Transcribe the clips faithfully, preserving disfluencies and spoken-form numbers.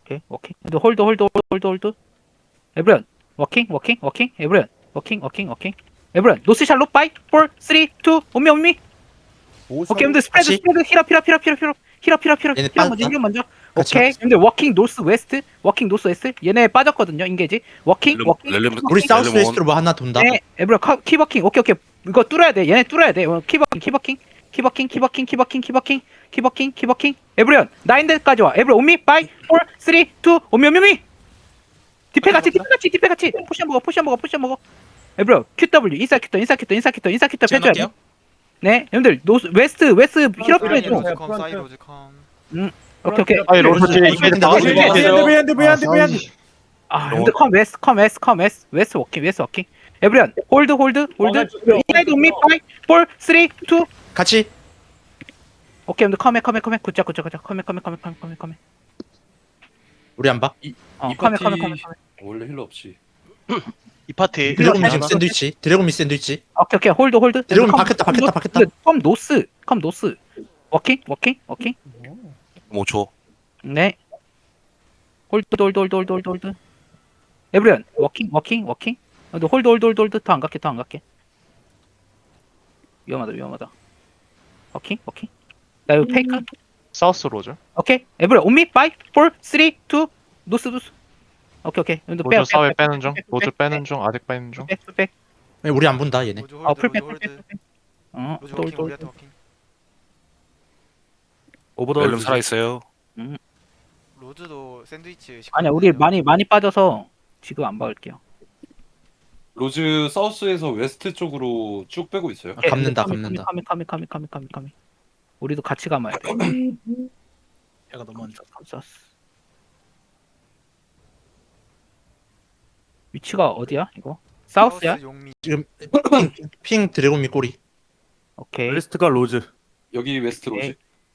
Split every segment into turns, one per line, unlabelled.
오케이 워킹 근데 홀드 홀드 홀드 홀드 에브리언 워킹 워킹 워킹 에브리언 워킹 워킹 워킹 에브리언 노스 샬로 파이 사 삼 이 온미 온미 오케이 근데 스프레드
같이?
스프레드 힐업 힐업 힐업 힐업 힐업 힐업 힐업 힐업
얘네
힐업 먼저
빠졌다?
힐업 먼저
같이
오케이 근데 워킹 노스 웨스트 워킹 노스 웨스트 얘네 빠졌거든요 인게지 워킹
렐름
워킹
렐름
워킹,
우리
워킹.
사우스
렐름
웨스트로 뭐 하나 돈다.
네 에브리언 커- 키버킹 오케이 오케이 이거 뚫어야 돼 얘네 뚫어야 돼 어, 키버킹 키버킹 키버킹 키버킹 키버킹 키버킹 키버킹 키버킹 에브리언 나인데까지 와 에브리언 온미 파이 사 삼 이 온미 온미 온미 디페 같이 디페 같이 디페 같이 포션 먹어 포션 먹어 포션 먹어 에브리언 큐더블유 인사 큐터 인사 큐터 인사 큐터 인사 큐터 펴줘야 돼 네, 여러분들 노스 웨스트 웨스트 힐업 좀 해줘.
로즈 컴 사이 로즈 컴.
오케이 오케이.
아니 로즈 뒤에
근데
이게
나가지
나가지
마세요.
마세요.
미안해 미안해 미안해.
아, 근데 컴 웨스트 컴 웨스트 컴 웨스트 웨스트 워킹 웨스트 워킹. 에브리언 홀드 홀드 홀드. 인사이드 온미 파이 사 삼 이
같이.
오케이, 근데 컴에 컴에 컴에 굿자 굿자 굿자 컴에 컴에 컴에 컴에 컴에 컴에.
우리 안 봐.
어,
이
컴에
파티-
컴에 컴에 컴에.
원래 힐러 없이.
이 파티
드래곤미 지금 샌드위치. 드래곤미 샌드위치.
오케이 오케이 홀드 홀드.
드래곤
컴,
박혔다,
컴
박혔다,
노스,
박혔다.
근데 컴 노스 컴 노스. 워킹 워킹 워킹.
오 초.
네. 홀드 홀드 홀드 홀드 홀드 홀드. 에브리언 워킹 워킹 워킹. 근데 홀드 홀드 홀드 홀드 더 안 갈게 더 안 갈게. 위험하다 위험하다. 워킹 워킹. 나 이거 페이크.
사우스 로즈
오케이. 에브리언 온미 파이 사 삼 이 노스 노스. 오케이 오케이. 근데 빼
로즈 사회 빼는 중
빼,
로즈
빼,
빼는 중 아직 빼는 중
빼, 빼, 빼.
아니, 우리 안 본다 얘네.
로즈
어
홀드
풀백
로즈
풀백
홀드.
풀백. 어.
로즈
돌
워킹
돌.
우리한테 워킹.
렐름 살아 있어요.
로즈도 샌드위치.
아니야 우리 많이 많이 빠져서 지금 안 박을게요.
로즈 사우스에서 웨스트 쪽으로 쭉 빼고 있어요.
아, 감는다, 감는다.
카미 카미 카미 카미 카미 카미. 우리도 같이 감아야 돼.
얘가 너무 안 좋아.
감쌌어. 위치가 어디야 이거? 사우스야?
사우스 용미.
지금 핑, 핑 드래곤미 꼬리.
오케이.
웨스트가 로즈.
여기 웨스트 로즈.
오케이.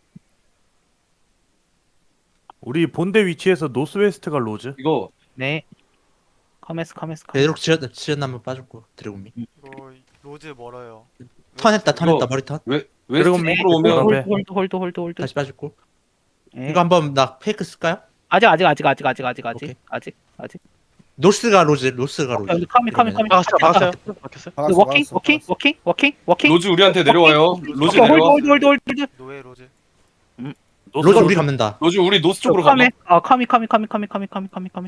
우리 본대 위치에서 노스 웨스트가 로즈.
이거
네. 커메스 커메스 커메스.
베드록 지연 지연나무 빠졌고 드래곤미.
이거 로즈 멀어요.
턴했다, 턴했다,
이거-
머리 턴.
웨
드래곤
웨스트 쪽으로 오면
홀드.
홀드 홀드 홀드 홀드.
다시 빠졌고.
네.
이거 한번 나 페이크 쓸까요?
아직 아직 아직 아직 아직 아직 아직
오케이.
아직 아직.
노스가 로즈, 노스가 로즈.
근데 카미 카미 카미.
박았어요 박았어요 박혔어요
근데 워킹 워킹 워킹 워킹 워킹.
로즈 우리한테 내려와요. 로즈
오케이, 홀드
내려와.
홀드 홀드 홀드.
노예 로즈.
로즈 우리 감는다.
로즈 우리 노스 쪽으로 가면
카미 아 카미 카미 카미 카미 카미 카미 카미 카미.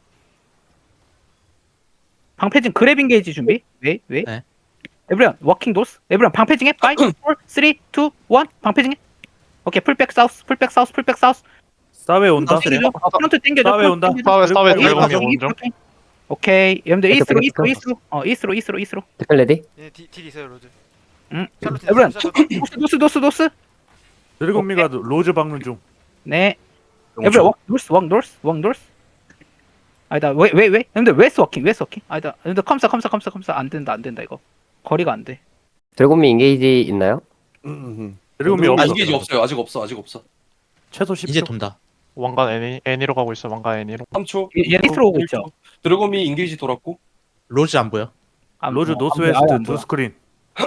방패진 그래빙 게이지 준비. 왜 왜?
네.
에브리언 워킹 노스. 에브리언 방패징해. 파이 사 삼 이 일 방패징해. 오케이 풀백 사우스 풀백 사우스 풀백 사우스.
사회 온다.
땡겨줘. 어, 프론트 땡겨줘.
사회 온다.
프론트 땡겨줘.
사회 사회
어,
드래곤이
이스로,
오는 중
이스로. 오케이 여러분들
백업,
이스로
백업,
이스로
백업.
이스로 어 이스로 이스로 이스로.
댓글 레디?
얘 딜, 딜 있어요 로즈.
응.
샬롯
에브리언
있어요, 샬롯.
노스 노스 노스 노스.
드래곤미가 로즈 박는 중.
네.
오
에브리언
초.
워 노스 워 노스 워 노스. 아니다 왜 왜 왜? 근데 웨스트 워킹 웨스트 워킹. 아니다 근데 컴사 컴사 컴사 컴사 안 된다 안 된다 이거. 거리가 안 돼.
드래곤미 인게이지 있나요?
드래곤미
아,
없어.
이게 없어요. 아직 없어. 아직 없어.
최소 십 초.
이제 돈다.
왕관 애니 애니로 가고 있어 왕관 애니로
삼 초.
얘 이스로 오고 있죠.
드래곤미 인게이지 돌았고.
로즈 안 보여.
아,
로즈
어,
노스
안 보여, 아예
웨스트
안
두
보여.
스크린.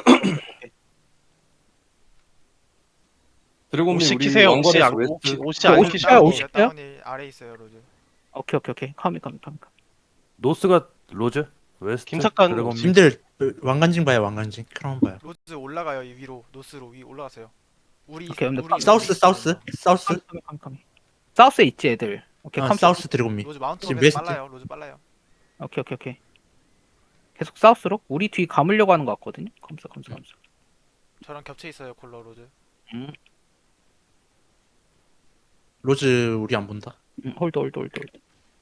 드래곤미
옷
우리
시키세요 옷이
왕관에서
안
웨스트.
옷이 옷이
어,
안
옷이
시키시고
아, 옷이- 오십이요?
다운이 아래 있어요 로즈.
오케이 오케이 오케이 카미 카미 카미. 카미.
노스가 로즈. 웨스트.
김석관
드래곤미.
님들 왕관징 봐요, 왕관징. 크라운 봐요.
로즈 올라가요 이 위로 노스로 위 올라가세요. 우리
오케이, 근데
우리
사우스, 사우스, 사우스.
카미 카미 카미 카미. 사우스에 있지 애들. 오케이
아,
컴
사우스 드래곤미.
로즈 마운트
지금
오면
웨스트.
빨라요. 로즈 빨라요.
오케이 오케이 오케이. 계속 사우스로 우리 뒤 감으려고 하는 것 같거든요. 컴사 컴사 컴사.
저랑 겹쳐 있어요 콜러 로즈.
음,
로즈 우리 안 본다.
음 홀드 홀드 홀드 홀드.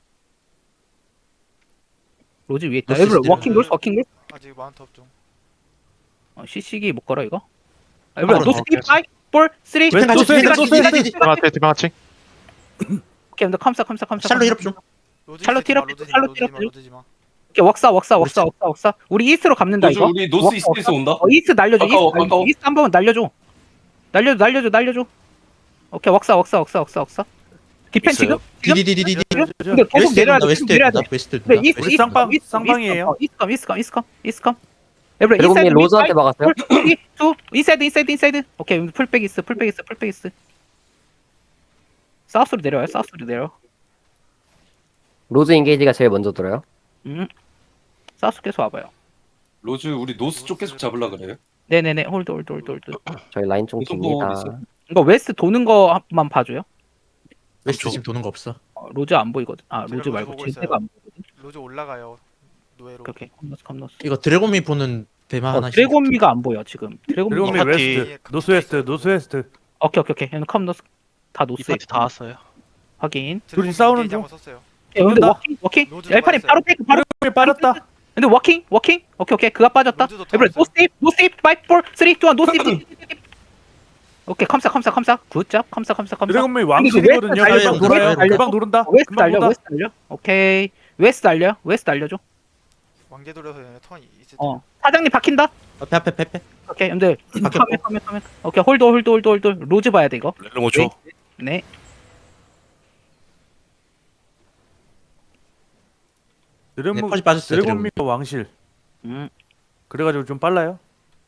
로즈 위에 있다.
노스
에브리
시스템.
워킹 노스 워킹 노스.
아직 마운트 업 중.
어, 시식이 못 걸어 이거. 에브리
아,
노스
오케이.
파이 사 삼 이
왼쪽
노스,
왼쪽
노스,
왼쪽
노스.
왼쪽.
디마치 디마치
오케이 근데 컴사 컴사 컴사.
샬로 힐업 좀.
로즈
샬롯
있지 마,
힐업,
로즈
샬롯
힐업,
힐업.
로즈 마.
오케이 웍사 웍사 웍사 웍사 웍사. 우리 이스트로 감는다
로즈
이거.
우리 노스
웍사,
이스트에서 온다.
어, 이스트 날려줘.
가까워,
이스트,
가까워.
이스트 한 번만 날려줘. 날려줘 날려줘 날려줘. 오케이 웍사 웍사 웍사 웍사 웍사. 디펜
있어요?
지금 지금
디디디디디.
근데 계속
웨스트
내려야
돈다,
돼.
웨스트
계속 내려야 돼.
돈다, 웨스트
그래
돈다.
이스트
우리
이스트
쌍방-
이스트,
쌍방이에요.
이스트 이스트 이스트 이스트. 에브리
드래곤미 로즈한테 막았어요?
인사이드 인사이드 인사이드. 오케이 풀백 있어 풀백 있어 풀백 있어. 사우스로 내려와요 사우스로 내려.
로즈 인게이지가 제일 먼저 들어요.
음. 사우스 계속 와봐요.
로즈 우리 노스 쪽 계속 잡으려 그래요?
네네네. 홀드 홀드 홀드 홀드.
저희 라인 좀
무슨
깁니다.
보험 있어요?
이거 웨스트 도는 거만 봐줘요.
웨스트
그렇죠.
지금 도는 거 없어.
어, 로즈 안 보이거든. 아
제가
로즈
로즈
말고
보고
제대가
있어요.
안 보이거든.
로즈 올라가요. 노예로.
오케이 오케이. 컴노스 컴노스.
이거 드래곤미 보는 대마
어,
하나.
드래곤미가 안 보여 지금. 드래곤미.
드래곤미
파티.
웨스트, 노스 웨스트, 노스 웨스트.
오케이 오케이 오케이. 얘는 컴노스 다
이
노스.
파티 다 왔어요.
확인.
둘이 싸우는
인게이지
중.
한번 썼어요.
예, 근데
죽는다.
워킹 워킹.
로즈
엘판이
빠졌어요.
바로 페이크 바로.
드래곤미 빠졌다.
근데 워킹 워킹. 오케이 오케이. 그가 빠졌다.
로즈도
에브리
타왔어요.
노 세이프 노 세이프 파이브 사 삼 이 일 노 세이프. 오케이 컴사 컴사 컴사. 굿잡 컴사 컴사 컴사.
드래곤미 왕실이거든요.
웨스트
금방
달려,
돌아요.
웨스트 달려.
금방 도른다.
웨스트
금방
달려
돈다.
웨스트 달려. 오케이. 웨스트 달려 웨스트 달려줘.
왕제 돌려서 얘네 턴이 있을 때.
어 사장님 박힌다.
앞에 앞에 앞에 앞에.
오케이 근데
박혔고.
카메 카메 카메. 오케이 홀드 홀드 홀드 홀드. 로즈 봐야 돼 이거.
렐름 오 초.
네.
네,
드래곤
퍼지 빠졌어요. 드래곤미.
드래곤미가 왕실.
음.
그래가지고 좀 빨라요.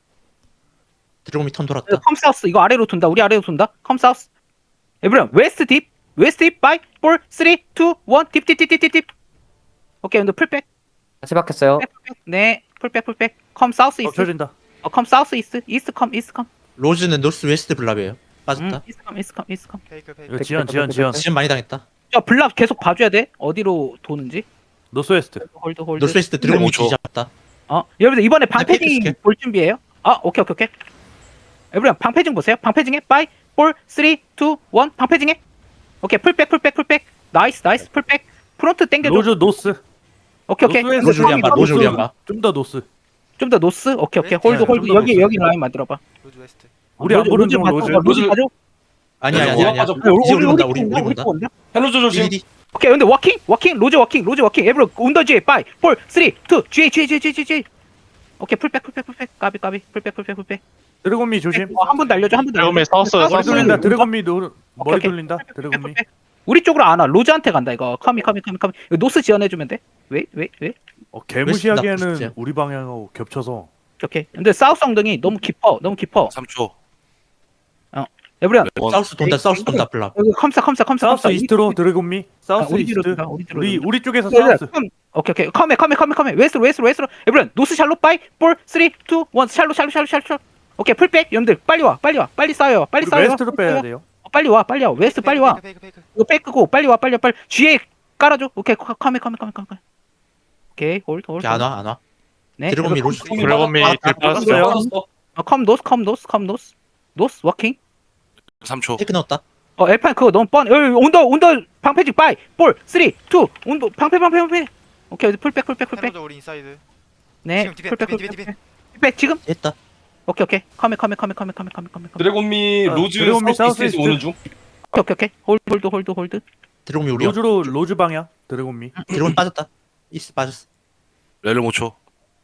드래곤미 턴 돌았다.
컴 사우스 이거 아래로 돈다. 우리 아래로 돈다. 컴 사우스. 에브리언 웨스트 딥. 웨스트 딥 파이브 사 삼 이 일 딥딥딥딥딥. 오케이 근데 풀백.
같이 박혔어요.
풀백, 풀백. 네. 풀백 풀백. 컴 사우스 이스트.
겹쳐진다.
어, 컴 사우스 이스트. 이스트 컴 이스트 컴.
로즈는 노스 웨스트 블랍이에요.
음,
빠졌다.
이스트 컴 이스트 컴 이스트 컴.
페이크 페이크.
이거 지연, 지연, 지연.
지금 많이 당했다.
저 블랍 계속 봐줘야 돼. 어디로 도는지.
노스 웨스트.
홀드 홀드.
노스 웨스트 드래곤미
오 초.
뒤잡았다.
어, 여러분들 이번에
페이크
방패징
스킬.
볼 준비해요. 아, 오케이 오케이 오케이. 에브리언 방패징 보세요. 방패징에 파이브 사 삼 이 일 방패징에. 오케이 풀백 풀백 풀백. 나이스 나이스 풀백. 프론트 당겨줘.
로즈 노스.
오케이 오케이.
노스
로즈 우리 안 봐. 로즈 우리 안 봐.
좀 더 노스.
좀 더 노스. 오케이 오케이.
웨스트.
홀드
네,
홀드
좀더
여기
노스.
여기 라인 만들어 봐.
로즈 웨스트.
우리 안 보는 중 로즈.
로즈 가져.
아니야
네,
아니야 아니야.
올라가죠.
이제 우리 본다. 우리 우리 본다.
헬로즈 조심.
디디디.
오케이 근데 워킹 워킹 로즈 워킹 로즈 워킹 에브로 온더 G 파이브 사 삼 이 G G G G G G. 오케이 풀백 풀백 풀백. 까비 까비 풀백 풀백 풀백.
드래곤미 조심.
어, 한 번 날려줘 한 번 날려줘.
드래곤미 사우스,
사우스
머리
사우스.
돌린다. 드래곤미 노, 머리
오케이.
돌린다. 드래곤미.
우리 쪽으로 안 와. 로즈한테 간다 이거. 커미 커미 커미 커미. 이거 노스 지원해주면 돼. 왜 왜 왜?
어,
웨스트 나쁘시죠?
개무시하기에는 우리 방향하고 겹쳐서.
오케이. 근데 사우스 엉덩이 너무 깊어. 너무 깊어.
삼 초.
에브리언
원.
사우스 돈다. 사우스 돈다 블랍.
여기 컴사 컴사 컴사
사우스
컴사.
이스트로 드래곤미. 사우스
우리 뒤로
이스트.
돈다, 우리 뒤로
우리
돈다.
우리 쪽에서
에브리언,
사우스.
컴. 오케이 오케이. 컴에 컴에 컴에 컴에. 웨스트로 웨스트로 웨스트로. 에브리언 노스 샬로 파이브 사 삼 이 일 샬로 샬로 샬로 샬로 샬로. 오케이 풀백. 여러분들 빨리 와 빨리 와 빨리 싸요 빨리
우리
싸요.
웨스트로 빼야 돼요.
어, 빨리 와 빨리 와 웨스트 빨리 와.
페이크 페이크.
이거 백크고 빨리 와 빨리 와 빨리. G에 깔아줘. 오케이 컴에 컴에 컴에 컴에. 오케이 홀드 홀드.
오케이 안 와 안 와.
네.
드래곤미 로즈.
드래곤미
아,
딜
아,
빠졌어요.
빠졌어.
어, 컴 노스 컴 노스 컴 노스. 노스 워킹.
삼 초.
테크 넣었다.
어, 엘판 그거 너무 뻔. 여기 온더 온더 방패직 파이 사 삼 이 온더 방패 방패 방패. 오케이 풀백 풀백 풀백.
헬로즈 우리 인사이드.
네.
지금 디펜,
풀백
디펜,
풀백
디펜,
풀백. 풀백 지금.
됐다.
오케이 오케이. 컴에 컴에 컴에 컴에 컴에 컴에 컴에.
드래곤미
아,
로즈
드래곤미
사우스
사우스
이스트에서
이스트.
오는 중.
오케이 오케이 오케이. 홀드 홀드 홀드 홀드.
드래곤미 우리.
로즈로 로즈 방향. 드래곤미.
드래곤 빠졌다. 이스 빠졌어.
렐름 오 초.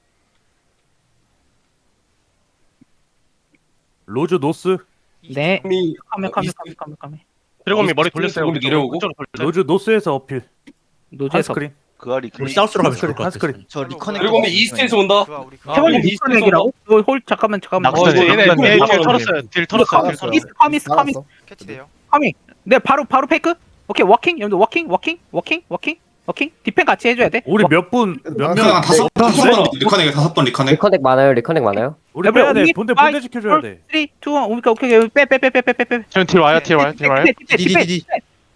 로즈 노스.
네.
미
컴에 컴에
이스트.
컴에 컴에 컴에.
드래곤미 머리 돌렸어요.
드래곤미 내려오고.
로즈 노스에서 어필.
노즈에서.
한스크린.
그 알이
우리 사우스로 가면 좋을
한스크린.
것 같아.
한스크린.
저 리커넥
드래곤미 이스트에서 온다.
그와 우리 그.
아,
태원님
우리
이스터
이스트에서
얘기라고? 어, 홀 잠깐만 잠깐만.
어,
어,
이제
얘네
얘네
얘네
딜
딜
털었어요.
털었어요. 딜 털었어요. 딜 털었어요.
미스 커미스 커미스
캐치돼요.
커미. 네 바로 바로 페이크. 오케이 워킹 여러분들 워킹 워킹 워킹 워킹 워킹 디펜 같이 해줘야 돼.
우리
워-
몇 분 몇
한
명?
다섯 다섯 번 리커넥 다섯 번 리커넥.
리커넥 많아요. 리커넥 많아요.
우리
에브리,
빼야 돼.
우리
본대
파이,
본대 지켜줘야 돼.
삼, 이, 일 오케이 오케이 오케이 빼빼빼빼빼빼빼.
지금 딜 와요. 딜 와요. 딜 와요.
디디디디.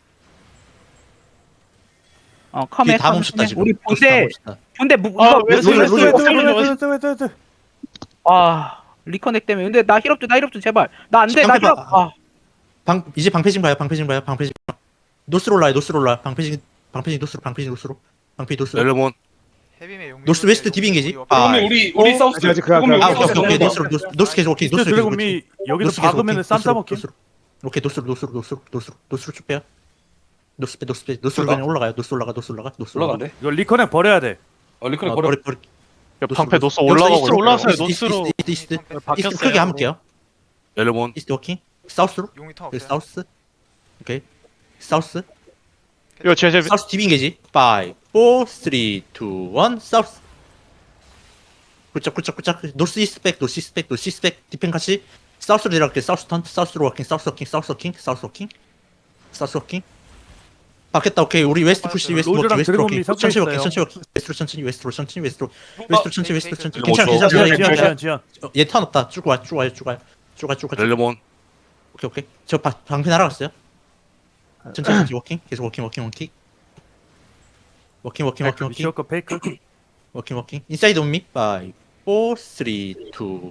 어 컴에
뒤에 다
컴에,
멈췄다
컴에.
지금.
우리
노스 다
본대
멈췄다.
본대 무
아,
이거
웨스트,
로즈,
웨스트,
로즈,
웨스트,
로즈, 로즈.
웨스트 웨스트 웨스트.
아 리커넥 때문에 근데 나 힐업 좀 나 힐업 좀 제발 나 안 돼 나
방패
힐업
봐.
아
방 이제 방패징 봐요. 방패징 봐요. 방패징. 노스로 올라요. 노스로 올라. 방패징 방패징 노스로. 방패징 노스로. 방패 노스로.
렐름 온.
헤비메 용.
노스 웨스트 디빙이지.
드래곤미 우리 우리 사우스. 드래곤미
아
우리
오케이
사우스.
오케이 노스로 노스 노스 계속 오케이
이스트
노스 계속
드래곤미 여기서 박으면은 쌈 싸먹기.
노스로. 오케이 노스로 노스로 노스로 노스로 노스로 쭉 빼요. 노스 빼 노스 빼 노스로 그냥 올라가요. 노스 올라가 노스 올라가 노스 올라가.
올라간대.
이거 리커넥 버려야 돼.
어 리커넥
어,
버려.
버리 버리.
방패 노스
여기서
올라가고
이스트로
올라왔어요.
이스트, 이스트,
노스로
이스트 이스트 이스트 이스트
바뀌었어요.
크게 함을게요.
렐름 온.
이스트 워킹. 사우스로.
용이 턴
오케이,
없어요.
사우스. 오케이. 사우스.
이거 제 제
사우스 디빙게지. 오, 삼, 이, 일 사우스. 굿짝 굿짝 굿짝. 노스 이스트 백 노스 이스트 백 노스 이스트 백 디펜 같이 사우스로 내려갈게. 사우스 턴 사우스로 워킹 사우스 워킹 사우스 워킹 사우스 워킹 사우스 워킹. 바뀌었다. 오케이. 우리 웨스트 푸시 웨스트 워킹
로즈랑
웨스트
드래곤
워킹.
미 섞여
천천히 워킹
있어요.
천천히 워킹. 웨스트로 천천히 웨스트로 천천히 웨스트로 웨스트로 천천히 웨스트로 천천히.
오 초.
괜찮아 괜찮아.
지연
괜찮아,
지연
괜찮아.
지연 지연.
얘턴 없다. 쭉 와, 쭉 와요, 쭉 와요, 쭉 와, 쭉 와. 쭉 와.
렐레몬.
오케이 오케이. 저 바, 방패 날아갔어요. 천천히 천천히 워킹. 계속 워킹 워킹 워킹. 워킹 워킹 워킹 워킹.
위치워크 페이크.
워킹 워킹. 인사이드 온미. 파이브, 사, 삼, 이, 일.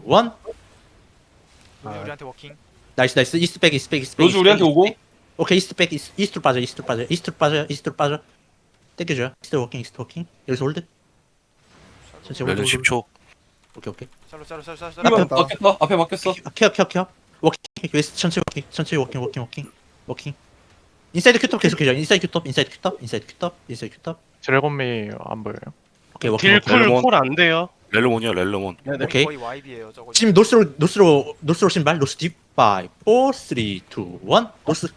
우리 우리한테 워킹.
나이스 나이스. 이스트 백 이스트 백 이스트 백.
로즈 우리한테 오고.
오케이 이스트 백 이스트, 이스트로 빠져 이스트로 빠져 이스트로 빠져 이스트로 빠져. 땡겨줘요. 이스트 워킹 이스트 워킹. 여기서 홀드. 천천히 홀드.
렐레 십 초.
오케이 오케이.
샬로 샬로 샬로 샬로
앞에
샬로.
막혔다. 앞에 막혔어.
케어 케어 케어. 워킹 웨스트 천천히 워킹 천천히 워킹 워킹 워킹 워킹. 인사이드 큐톱 계속해줘. 인사이드 큐톱 인사이드 큐톱 인사이드 큐톱 인사이드 큐톱.
드래곤미 안 보여요.
오케이 워킹 워킹.
렐레몬.
쿨안 돼요.
렐레몬이야 렐레몬.
오케이.
거의 와이비예요 저거.
지금 노스로 노스로 노스로 신발 노스 딥. 파이브, 사, 삼, 이, 일. 노스.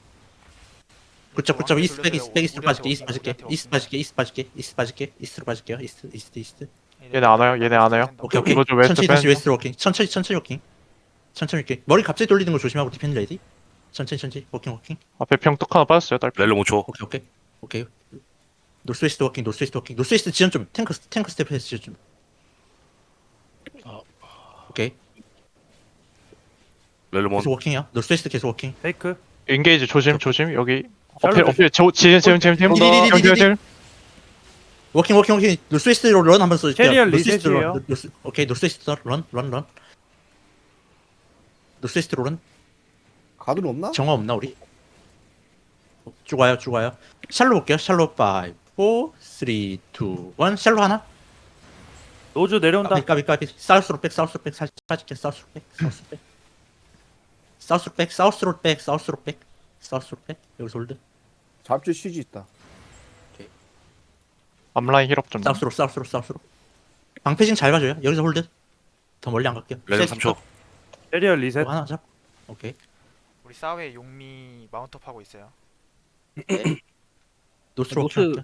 굿잡 굿잡. 이스트 백 이스트 백 이스트 빠질게 이스트 빠질게 이스트 빠질게 이스트 빠질게 이스트 빠질게 이스트로 빠질게요. 이스트 이스트 이스트.
얘네 안 와요. 얘네 안 와요.
오케이 오케이.
로즈 웨스트
천천히 다시
뺀.
웨스트로 워킹. 천천히 천천히 워킹. 천천히 워킹. 머리 갑자기 돌리는 거 조심하고 디펜드 레디. 천천히 천천히 워킹 워킹.
앞에 병뚝 하나 빠졌어요. 딸.
렐레몬 초.
오케이 오케이 오케이. 노스웨스트 워킹 노스웨스트 워킹 노스웨스트 지연 좀 탱크 탱크 스텝해서 지연 좀. 오케이
렐레몬.
계속 워킹이야. 노스웨스트 계속 워킹.
페이크.
인게이지 조심 조심 여기. 어필
샬롯
어필 저 지금 지금 지금 지금.
디디디디디디. 워킹 워킹 워킹. 노스웨스트로 런 한번 써줄게요.
캐리얼
노스웨스트로
리셋이에요.
런. 노스, 오케이 노스웨스트 런런런 노스웨스트로 런.
가든 없나?
정화 없나 우리? 쭉 와요 쭉 와요. 샬로 볼게요. 샬로 파이브, 사, 삼, 이, 일. 샬로 하나.
로즈 내려온다.
까비 까비 까비. 사우스로 백 사우스로 백 살짝 빠질게. 사우스로 백 사우스로 백 사우스로 백 사우스로 백 사우스로 백 사우스로 백. 여기서 홀드.
잡지 쉬지 있다.
앞라인 힐업 좀.
사우스로 사우스로 사우스로. 방패징 잘 봐줘요. 여기서 홀드. 더 멀리 안 갈게요.
렐레 삼 초.
캐리얼 리셋.
이거 하나 잡. 오케이.
우리 사회 용미 마운트업 하고 있어요.
노스로
노스-
노스.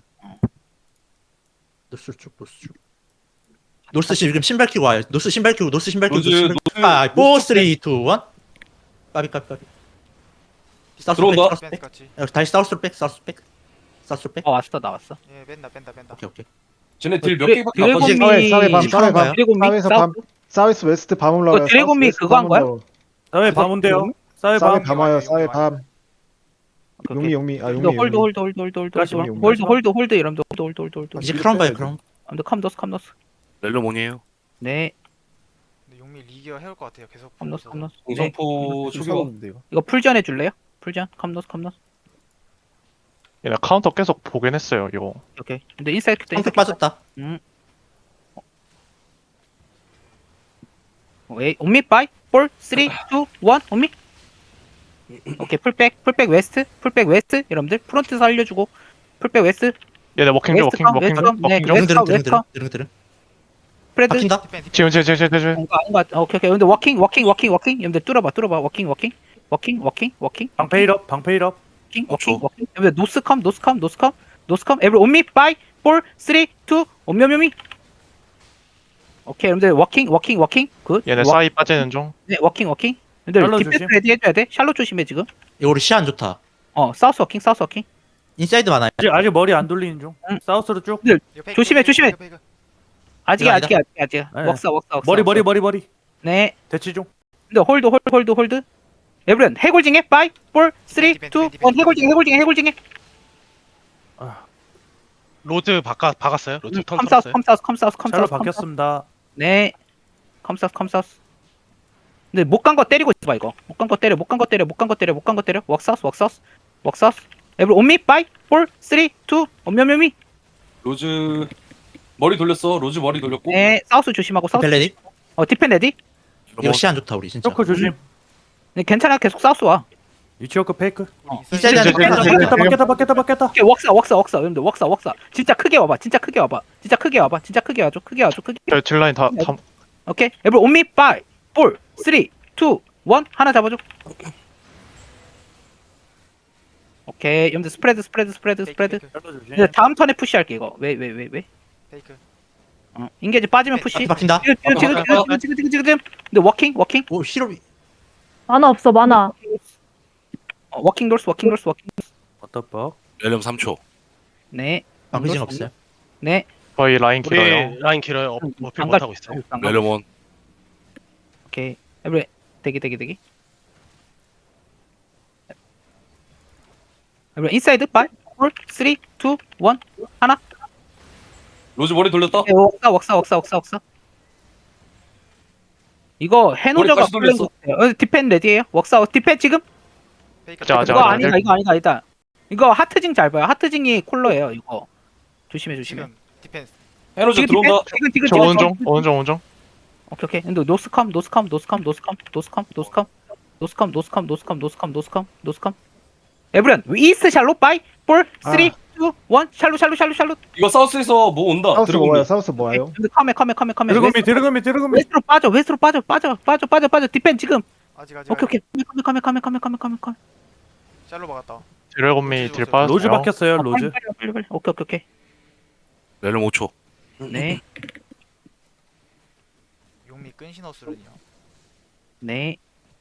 노스 쭉 노스 쭉. 노스 지금 신발 끼고 와요. 노스 신발 끼고 노스 신발 끼고
로즈,
노스 신발 끼고. 파이브, 사, 삼, 이, 일. 까비 까비 까비. 사우스로 백
들어온다.
사우스 백.
벤스 같이.
야, 다시 사우스로 백 사우스 백 사우스로 백.
어 왔어 나왔어.
예 뺀다 뺀다 뺀다.
오케이 오케이.
쟤네 딜 몇
드래-
개밖에 안
드래곤미
빠져.
사회, 사회 밤,
이제
사회
가요?
밤.
드래곤미
사회에서 밤, 사우스 웨스트 밤 올라와요.
어, 드래곤미
사우스 웨스트
그거 한
밤
거야?
올라와요.
사회 밤운데요. 사회
사회
밤.
밤 와요. 사회 밤.
오케이,
용미
오케이.
용미. 아
홀드
용미
홀드
용미.
홀드 홀드 홀드 홀드
다시
홀드
용미,
홀드
용미.
홀드 홀드 이러면 홀드 홀드 홀드 홀드.
이제 크라운 봐요 크라운.
아무튼 컴더스 컴더스.
렐레몬이에요.
네
근데 용미 리기어 해올 것 같아요. 계속.
컴더스
보면서.
컴더스. 네.
공성포 초기화.
추가하는데 이거.
이거 풀전 해줄래요? 풀전 컴더스 컴더스.
얘네 카운터 계속 보긴 했어요. 이거.
오케이. 근데 인사이드 때
황색 빠졌다.
음. 오케이. 온미 파이 사, 삼, 이, 일. 온미. 오케이. 풀백 풀백 웨스트 풀백 웨스트 여러분들 프론트 살려주고 풀백 웨스트
얘네 워킹 중 워킹
웨스트
워킹
웨스트
중
네,
워킹 중.
드릉 드릉 드릉
웨스트,
드릉 드릉 드릉.
스프레드.
박힌다.
디펜 디펜.
지금 지금 지금 지금.
뭔가 뭔가 오케이 오케이. 근데 워킹 워킹 워킹 워킹 여러분들 뚫어봐 뚫어봐 워킹 워킹 워킹 워킹 워킹
방패 일업. 방패 일업.
워킹
어,
워킹
저.
워킹 여러분들 노스컴 노스컴 노스컴 노스컴 에브리 온미 파이 사, 삼, 이, 온미오미오미. 오케이 여러분들 워킹 워킹 워킹 굿.
얘네
워-
사이 빠지는 중.
네 워킹 워킹. 근데
샬롯
디펜스
조심.
레디 해줘야 돼. 샬롯 조심해 지금.
이거 우리 시야 안 좋다.
어 사우스 워킹 사우스 워킹.
인사이드 많아요.
아직 아직 머리 안 돌리는 중.
응.
사우스로 쭉.
이거 페이크,
조심해,
페이크,
조심해.
페이크, 페이크.
아직
이거
아직 아직 아직.
네.
웍사 웍사 웍사.
머리
웍사.
머리 머리 머리.
네.
대치 중.
근데 홀드 홀드 홀드 홀드. 에브리언 해골징해 파이 사, 삼, 이, 일. 해골징 해골징 해골징해.
로즈 바꿔 박았어요. 로즈 턴
컴사우스
털었어요.
컴사우스 컴사우스
샬로
컴사우스.
바뀌었습니다.
네. 컴사우스 컴사우스. 근데 못 간 거 때리고 있어 이거. 못 간 거 때려 못 간 거 때려 못 간 거 때려 못 간 거 때려. 웍사우스 웍사우스 웍사우스. 에브리 온미 파이 사, 삼, 이, 온미오미오미.
로즈 머리 돌렸어. 로즈 머리 돌렸고.
네. 사우스 조심하고 사우스.
벨레디.
어 디펜 레디.
이거 시야 안 좋다 우리 진짜.
쇼크 조심.
네 괜찮아 계속 사우스 와.
위치워크 페이크.
인사이드
이제,
하나
이제,
바뀌었다.
이제,
바뀌었다 바뀌었다 바뀌었다 바뀌었다.
오케이, 웍사 웍사 웍사 여러분들 웍사 웍사 진짜 크게 와봐 진짜 크게 와봐 진짜 크게 와봐 진짜 크게 와줘 크게 와줘 크게.
저 딜라인 다 다.
오케이 에브리 온미 파이 사, 삼, 이, 일 하나 잡아줘. 오케이 여러분들 스프레드 스프레드 스프레드 스프레드.
페이크,
샬로 조심.
이제 다음 턴에 푸시할게 이거. 왜 왜 왜 왜?
페이크.
어 인게이지 빠지면 푸시.
박힌다.
지금 지금 지금 지금 지금 지금 지금 지금. 근데 워킹 워킹.
오 히로비.
만화 없어 만화.
어, 워킹 돌스 워킹 돌스 워킹.
워터벅.
렐름 삼 초.
네.
방비징 없어요.
네.
저희 라인
우리
길어요.
라인 길어요. 어, 어필
안
못 하고 있어요.
안 가.
렐름 원.
오케이. 에브리 대기 대기 대기. 에브리 인사이드 파이 사 삼 이 일 하나.
로즈 머리 돌렸다.
네, 웍사 웍사 웍사 웍사 웍사. 이거 해노저가
다시
플랜
돌렸어.
같아요. 어, 디펜 레디에요? 웍사 디펜 지금?
페이크
자, 자,
이거
자,
아니다
네.
이거 아니다 아니다. 이거 하트징 잘 봐요. 하트징이 콜러예요 이거. 조심해 조심해.
지금 디펜스
에너지
지금
들어온다.
디펜, 지금 지금
저
지금
오른쪽, 오른쪽, 오른쪽.
오케이 오케이. 근데 노스컴 노스컴 노스컴 노스컴 노스컴 노스컴 노스컴 노스컴 노스컴 노스컴 노스컴 노스컴. 에브리언 이스트 샬롯 바이 사 삼 이 일 샬롯 샬롯 샬롯 샬롯.
이거 사우스에서 뭐 온다.
사우스
드래곤
뭐예요?
미.
사우스 뭐예요?
근데 카메 카메 카메 카메.
드래곤미
웨스트로
드래곤미 드래곤미
웨스트로 빠져 웨스트로 빠져 빠져 빠져 빠져 빠져 디펜 지금.
아직 아직
오케이 오케이. 카메 카메 카메 카메 카메 카메 카메.
샬로 막았다.
드래곤미 딜 빠졌어요.
로즈 박혔어요
아,
로즈.
빨리 빨리 빨리 빨리. 오케이 오케이 오케이.
렐름 오 초.
네.
용미 끈신어스run이요.
네.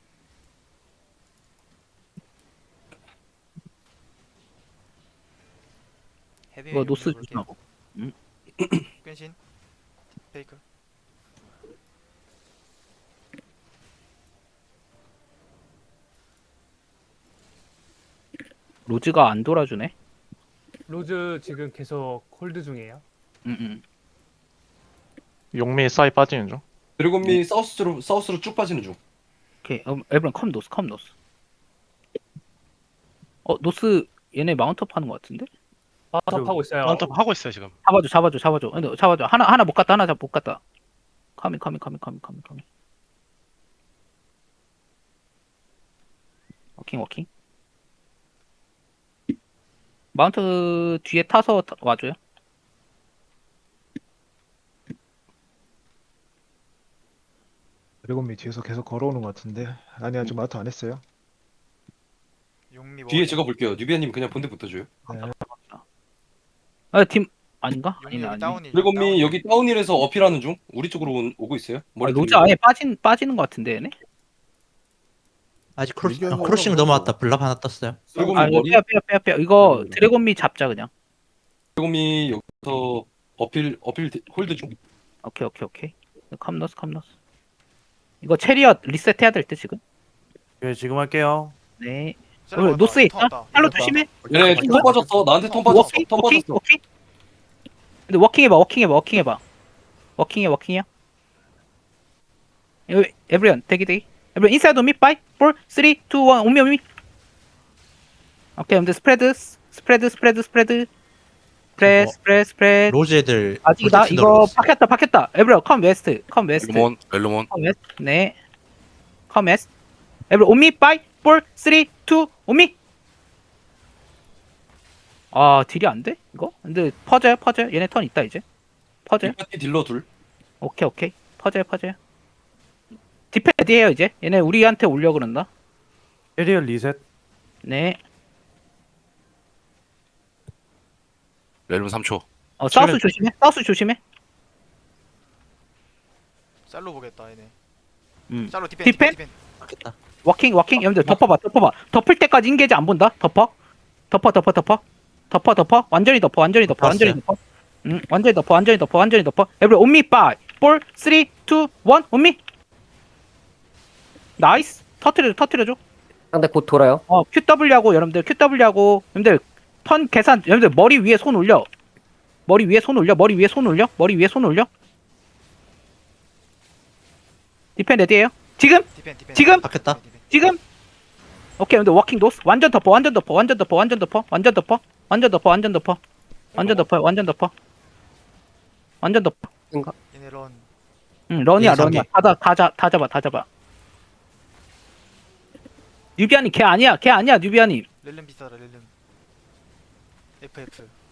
헤비
이거 노스 조심하고.
끈신 페이크.
로즈가 안 돌아주네.
로즈 지금 계속 홀드 중이에요.
음, 음.
용미 사이 빠지는 중.
드래곤 미 사우스로 사우스로 쭉 빠지는 중.
오케이. 음, 에브런 컴 노스 컴 노스. 어 노스 얘네 마운트업 하는 것 같은데?
마운트업 하고 있어요.
마운트업 하고 있어요 지금.
잡아줘 잡아줘 잡아줘. 근데 잡아줘. 하나 하나 못 갔다 하나 잡못 갔다. 카미 카미 카미 카미 카미 카미. 워킹 워킹. 마운트 뒤에 타서 타- 와줘요.
드래곤미 뒤에서 계속 걸어오는 것 같은데. 아니 아직 마트 안 했어요.
용미
뒤에
먹었다.
제가 볼게요. 뉴비아님 그냥 본대 붙어줘요.
아팀 아닌가?
용미
아니네
여기
아니네.
다운이.
드래곤 미
다운이.
여기 다운힐에서 어필하는 중. 우리 쪽으로 온- 오고 있어요.
아,
머리
로즈
돌리고.
아예 빠진 빠지는 것 같은데 얘네.
아직 크로스,
이게
어, 크로싱
뭐라고
넘어왔다. 블랍 하나 떴어요.
드래곤
아
미
이거
머리.
빼야 빼야 빼야 빼야. 이거 드래곤미 잡자 그냥.
드래곤 미 여기서 어필 어필 디- 홀드 중.
오케이 오케이 오케이. 컴너스 컴너스. 이거 체리엇 리셋해야 될 때 지금.
예 지금 할게요.
네.
샬로
어,
막았다.
노스에
턴
있다.
왔다.
샬로
이겼다.
조심해.
얘네 턴 빠졌어. 나한테 턴 빠졌어.
워킹
턴
워킹
빠졌어.
워킹. 근데 워킹 해봐 워킹 해봐 워킹 해봐. 워킹해 워킹이야. 이거 에브리언 대기 대기. 에브리언 인사이드 미 파이 사 삼 이 일 오미 오미. 오케이 근데 스프레드 스프레드 스프레드 스프레드. 스프레드 스프레드 스프레드.
로즈 애들
아직이다.
볼텍스
이거
넣어줬어.
박혔다 박혔다. 에브리언 컴 웨스트 컴 웨스트.
렐름 원. 렐름 원.
컴 웨스트. 네. 컴 웨스트. 에브리언 오미 파이 사 삼 이 일 오미. 아 딜이 안 돼? 이거? 근데 퍼져요 퍼져요. 얘네 턴 있다 이제. 퍼져요.
이 파티 딜러 둘.
오케이 오케이. 퍼져요 퍼져요. 디펜 레디해요 이제. 얘네 우리한테 올려 그런다.
에리얼 리셋.
네.
렐름 삼 초.
어 사우스 조심해. 사우스 조심해.
샬로 보겠다 얘네.
음.
샬로 디펜
디펜?
디펜.
박혔다.
워킹 워킹. 여러분들 덮어봐 덮어봐. 덮을 때까지 인게지 안 본다. 덮어. 덮어 덮어 덮어. 덮어 덮어. 완전히 덮어 완전히 덮어 완전히 덮어. 응 완전히 덮어 완전히 덮어 완전히 덮어. 에브리 온미 파이 사 삼 이 일 온미. 나이스. 터트려줘 터트려줘.
상대 곧 돌아요.
어 큐더블유하고 여러분들 큐더블유하고 여러분들 턴 계산 여러분들 머리 위에 손 올려. 머리 위에 손 올려. 머리 위에 손 올려. 머리 위에 손 올려. 디펜 레디에요. 지금
디펜 디펜.
지금?
박혔다.
디펜, 디펜.
지금 오케이 근데 워킹 노스 완전 덮어 완전 덮어 완전 덮어 완전 덮어 완전 덮어 완전 덮어 완전 덮어 완전 덮어 완전 덮어 완전 덮어.
얘네 런.
응 런이야
예,
런이야.
상계.
다다 잡아 다 잡아. 뉴비아님 걔 아니야 걔 아니야 뉴비아님.
렐름 비싸다 렐름. 에프에프.